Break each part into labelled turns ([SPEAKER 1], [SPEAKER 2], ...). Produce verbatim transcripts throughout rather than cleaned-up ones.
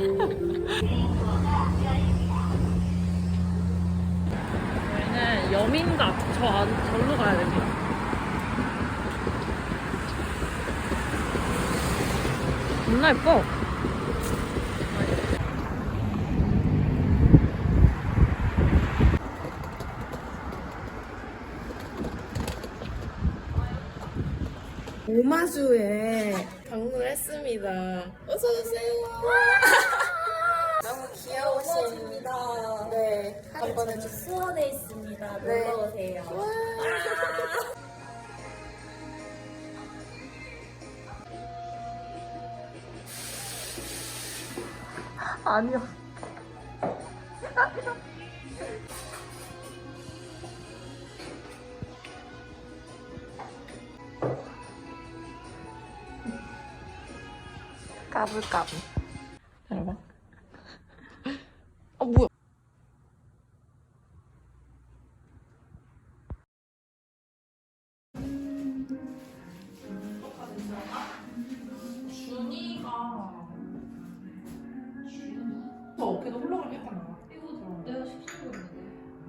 [SPEAKER 1] 저희는 여민각 저 안, 절로 가야 됩니다. 겁나 예뻐. 오마주에 방문을 했습니다. 어서오세요.
[SPEAKER 2] 너무 귀여우십니다. 네. 한번 해주 수원에 있습니다.
[SPEAKER 1] 네.
[SPEAKER 2] 놀러오세요.
[SPEAKER 1] 아니야. 까불까불. 여러분. 어, 뭐야? 준이가 저 어깨도 훌렁을 했잖아. 이거 내가 시키고 있는데.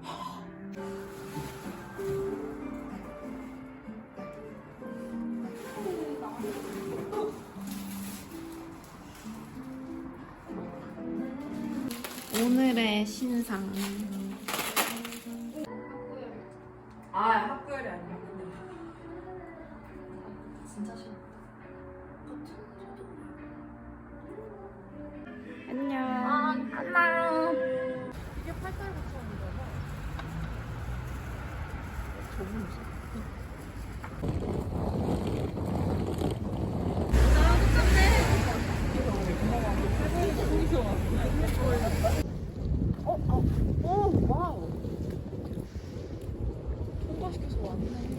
[SPEAKER 1] 오늘의 신상.
[SPEAKER 2] 아, 학구열이 아니야. 진짜 싫어.
[SPEAKER 1] 안녕.
[SPEAKER 2] 아, 안녕.
[SPEAKER 1] 이게 팔달 구천원이잖아. 저분이지. 어, 어, 오, 와우. 통과시켜서 왔네.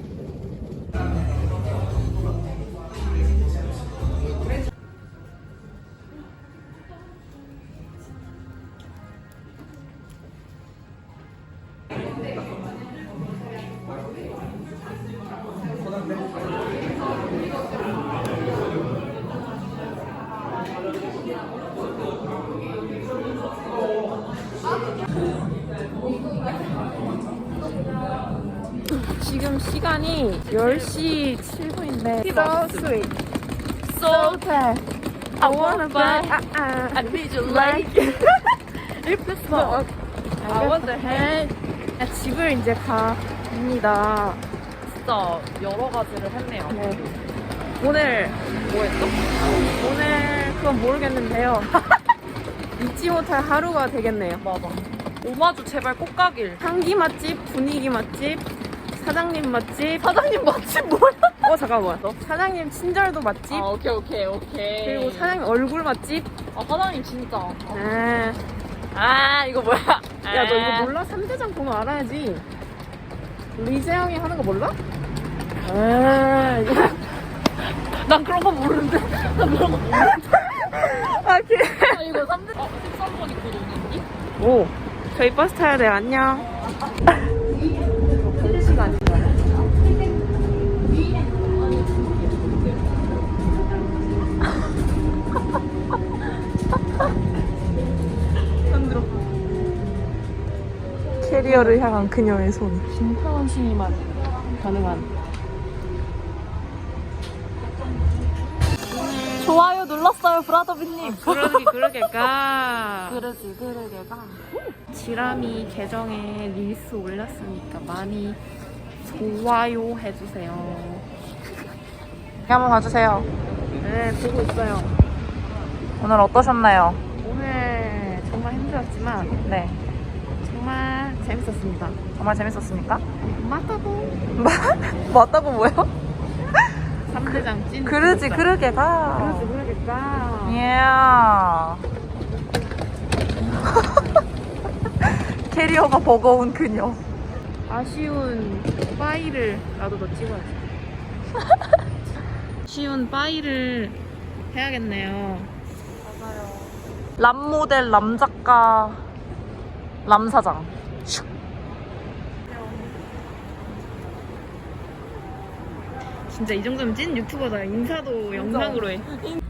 [SPEAKER 1] 지금 시간이 열 시 칠 분인데 So sweet, so bad. I wanna buy, I need you like If the smoke, I want the hand. 집을 이제 갑니다.
[SPEAKER 2] 진짜 여러 가지를 했네요.
[SPEAKER 1] 네. 오늘 뭐 했어? 오늘 그건 모르겠는데요. 잊지 못할 하루가 되겠네요.
[SPEAKER 2] 맞아. 오마주 제발 꼭 가길.
[SPEAKER 1] 향기 맛집, 분위기 맛집, 사장님 맛집.
[SPEAKER 2] 사장님 맛집 뭐야?
[SPEAKER 1] 어 잠깐만. 사장님 친절도 맛집.
[SPEAKER 2] 아, 오케이, 오케이, 오케이.
[SPEAKER 1] 그리고 사장님 얼굴 맛집.
[SPEAKER 2] 아, 사장님 진짜.
[SPEAKER 1] 아,
[SPEAKER 2] 아, 이거 뭐야?
[SPEAKER 1] 야 너 이거 몰라? 삼대장 번호 알아야지. 리재영이 하는 거 몰라? 아, 이거.
[SPEAKER 2] 난 그런 거 모르는데. 난 그런 거 모르는데.
[SPEAKER 1] 아, 걔.
[SPEAKER 2] 아, 이거 삼 대, 아, 십삼 번 입고 노는디?
[SPEAKER 1] 오, 저희 버스 타야 돼요. 안녕. 한 시간이다. 캐리어를 향한 그녀의 손. 김태원 씨만 가능한.
[SPEAKER 2] 좋아요 눌렀어요, 브라더비님.
[SPEAKER 1] 그러기 그러게까.
[SPEAKER 2] 그러지, 그러게가.
[SPEAKER 1] 지람이 계정에 릴스 올렸으니까 많이 좋아요 해주세요.
[SPEAKER 2] 한번 봐주세요.
[SPEAKER 1] 네, 보고 있어요.
[SPEAKER 2] 오늘 어떠셨나요?
[SPEAKER 1] 오늘 정말 힘들었지만
[SPEAKER 2] 네.
[SPEAKER 1] 정말 재밌었습니다.
[SPEAKER 2] 정말 재밌었습니까?
[SPEAKER 1] 맞다고.
[SPEAKER 2] 맞다고 뭐요?
[SPEAKER 1] 삼대장 찐.
[SPEAKER 2] 그러지,
[SPEAKER 1] 구독자.
[SPEAKER 2] 그러게가.
[SPEAKER 1] 그러지 그러겠다.
[SPEAKER 2] 예. 캐리어가 버거운 그녀.
[SPEAKER 1] 아쉬운 파일을 나도 너 찍어야지. 아쉬운 파일을 해야겠네요.
[SPEAKER 2] 람 모델, 람 작가, 람 사장.
[SPEAKER 1] 진짜 이 정도면 찐 유튜버다. 인사도 영상으로 해.